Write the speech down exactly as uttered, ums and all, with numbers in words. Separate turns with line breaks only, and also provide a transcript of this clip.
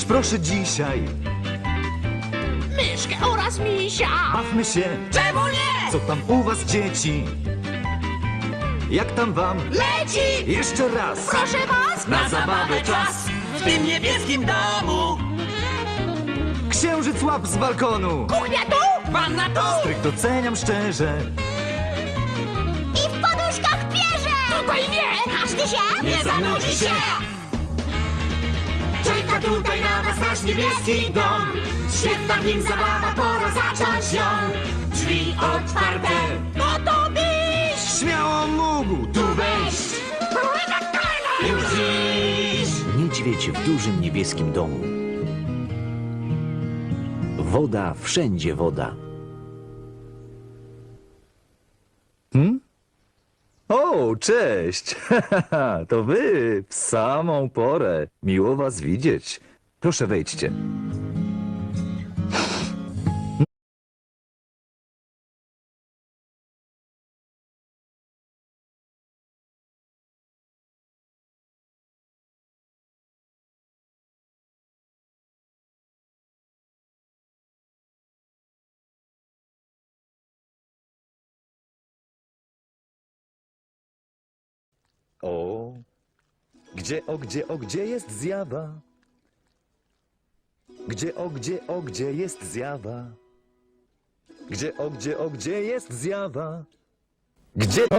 proszę dzisiaj.
Myszkę oraz misia.
Bawmy się.
Czemu nie?
Co tam u was, dzieci? Jak tam wam?
Leci!
Jeszcze raz.
Proszę was!
Na zabawę czas.
W tym niebieskim domu.
Księżyc łap z balkonu.
Kuchnia tu! Wanna tu!
Stryk doceniam szczerze.
I w poduszkach pierze!
Tutaj nie!
Każdy się
Nie zanudzi się! Czeka tutaj na was nasz niebieski dom. Świetna w nim zabawa, pora zacząć ją. Drzwi otwarte, gotowi!
Śmiało mógł tu wejść.
Już dziś!
Niedźwiedź w dużym niebieskim domu. Woda, wszędzie woda.
O, cześć. To wy w samą porę. Miło was widzieć. Proszę wejdźcie. O, gdzie, o, gdzie, o, gdzie jest zjawa? Gdzie, o, gdzie, o, gdzie jest zjawa? Gdzie, o, gdzie, o, gdzie jest zjawa? Gdzie...